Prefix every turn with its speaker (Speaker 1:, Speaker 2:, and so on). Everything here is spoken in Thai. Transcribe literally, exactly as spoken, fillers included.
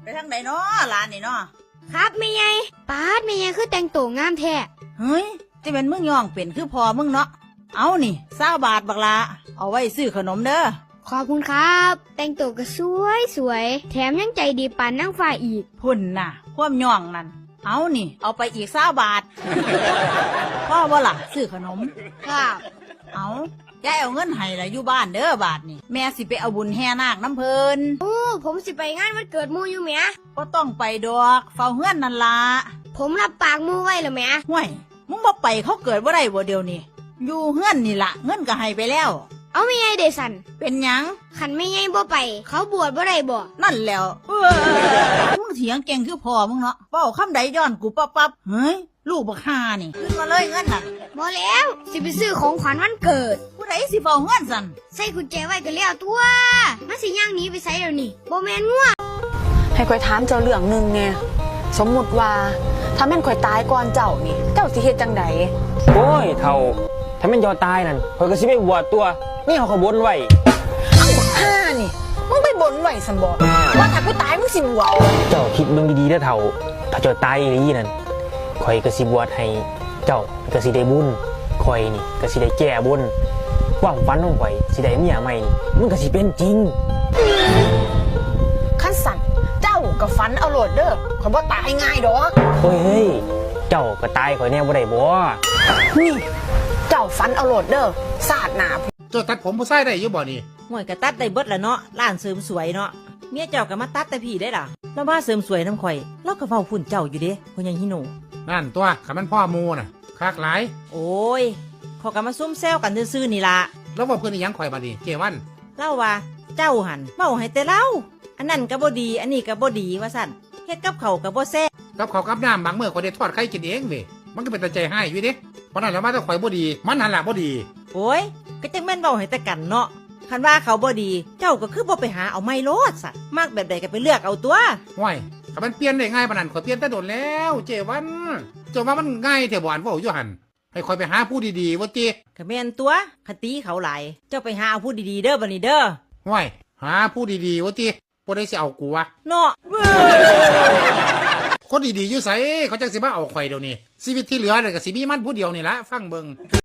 Speaker 1: ไปทางไหนเนาะร้านนี่เนาะ
Speaker 2: ครับแม่ใหญ่ปาดแม่ใหญ่คือแต่งตัวงามแท้
Speaker 1: เฮ้ยจะเป็นมึงย่องเป็นคือพอมึงเนาะเอานี่เศร้าบาทบักละเอาไว้ซื้อขนมเด้อ
Speaker 2: ขอบคุณครับแต่งตัวก็สวยสวยแถมยังใจดีปานนางฟ้าอีก
Speaker 1: พุ่นน่ะความย่องนั่นเอานี่เอาไปอีกเศร้าบาทพ่อว่าล่ะซื้อขนม
Speaker 2: ครับ
Speaker 1: เอายายเอาเงินให้ละอยู่บ้านเด้อบาทนี่แม่สิไปเอาบุญแห่นาคน้ำเพลิน
Speaker 2: โอ้ผมสิไปงานวันเกิดมูอยู่แม่
Speaker 1: ก็ต้องไปดอกเฝ้าเฮือนนั่นละ
Speaker 2: ผมรับปากมูไว้แล้วแม่
Speaker 1: ห่วยมึงบ่ไปเขาเกิดว่าได้บ่เดียวนี่อยู่เฮือนนี่ละเงินก็ให้ไปแล้ว
Speaker 2: เอาแม่ใหญ่เดซัน
Speaker 1: เป็นหยัง
Speaker 2: ขันแม่ใหญ่บ่ไปเขาบวชบ่ได้บ่
Speaker 1: นั่นแล้วมึงเถียงเก่งคือพ่อมึงเนาะเป้าคำใดย้อนกูปั๊บปั๊บเฮ้ยลูกบักฮานี่ขึ้นมาเลยเงินน่ะ
Speaker 2: บ่แล้วสิไปซื้อของขวัญวันเกิด
Speaker 1: ผู้ใดสิเฝ้าเงินสั่น
Speaker 2: ใส่กุญแจไว้ก็แล้วตัวมันสิย่างหนีไปไสแล้วนี่บ่แม่นงัว
Speaker 3: ให้ข่อยถามเจ้าเรื่องนึงแน่สมมุติว่าถ้าแม่นข่อยตายก่อนเจ้านี่เจ้าสิเฮ็ดจังได๋
Speaker 4: โอ้ยเฒ่าถ้าแม่นยอตายนั่นข่อยก็สิไปบวชตัวนี่เขาขบวนไว้
Speaker 3: เอ้าบักห่านี่มึงไปบนไว้ซั่นบ่ว่าถ้ากูตายมึงสิบวช
Speaker 4: เจ้าคิดเบิ่งดีๆเด้อเฒ่าถ้าเจ้าตายอีหลีนั่นข่อยก็สิบวชให้เจ้าก็สิได้บุญข่อยนี่ก็สิได้แก้บุญความฝันของข่อยสิได้เมียใหม่นี่มันก็สิเป็นจริง
Speaker 3: คันสั่นเจ้าก็ฝันเอาโลดเด้อข่อยบ่ตายง่ายดอก
Speaker 4: เฮ้ยเจ้าก็ตายข่อยแน่บ่ได้บ่
Speaker 3: นี่เจ้าฝันเอาโลดเด้อศาสตร์หน้า
Speaker 5: เจ้าตัดผมผู้ชายได้อยู่บ่นี่
Speaker 1: ห่วยก็ตัดได้เบิดละเนาะร้านเสริมสวยเนาะเมียเจ้าก็มาตัดแต่พี่ได้ล่ะแล้วว่าเสริมสวยน้ำข่อยเราก็เฝ้าฝุ่นเจ้าอยู่เด้พ่อใหญ่ฮิโน
Speaker 5: นั่นตัวขันมันพ่อมูน่ะคักหลาย
Speaker 1: โอ้ยเขาก็มาซุ่มแซวกันซื่อๆนี่ล่ะ
Speaker 5: แล้วว่าเพื่อนอีหยังข่อยบัดนี้เกวัน
Speaker 1: เล่าว่าเจ้าหันเว้าให้แต่เล่าอันนั้นก็บ่ดีอันนี้ก็บ่ดีว่าซั่นเฮ็ดกับเขาก็บ่แซ่บ
Speaker 5: กับข้าวกับน้ำบางมื้อข่อยได้ทอดไข่กินเองเว้ยมันก็เป็นตาใจให้อยู่เด้เพราะนั้นแล้วมาแต่ข่อยบ่ดีมันหันหลังบ่ดี
Speaker 1: โอ้ยก็จังแม่นเว้าให้แต่กันเนาะคันว่าเขาบ่ดีเจ้าก็คือบ่ไปหาเอาไม้โลดสัตว์มากแบบใดก็ไปเลือกเอาตัว
Speaker 5: ห้วยถ้ามันเปลี่ยนได้ง่ายปานนั้นข่อยเปลี่ยนแต่โดนแล้วเจวันเจ้าว่ามันง่ายแท้บ่อันเว้าอยู่หั่นให้ข่อยไปหาผู้ดีๆว่าติ
Speaker 1: ก็แม่นตัวคติเขาหลายเจ้าไปหาเอาผู้ดีๆเด้อบัดนี้เด้อ
Speaker 5: ห้วยหาผู้ดีๆว่าติบ่ได้สิเอากูวะ
Speaker 1: เนาะ
Speaker 5: คนดีๆอยู่ไสเขาจังสิมาเอาข่อยเดี๋ยวนี้ชีวิตที่เหลือน่ะก็สิมีมันผู้เดียวนี่ละฟังเบิ่ง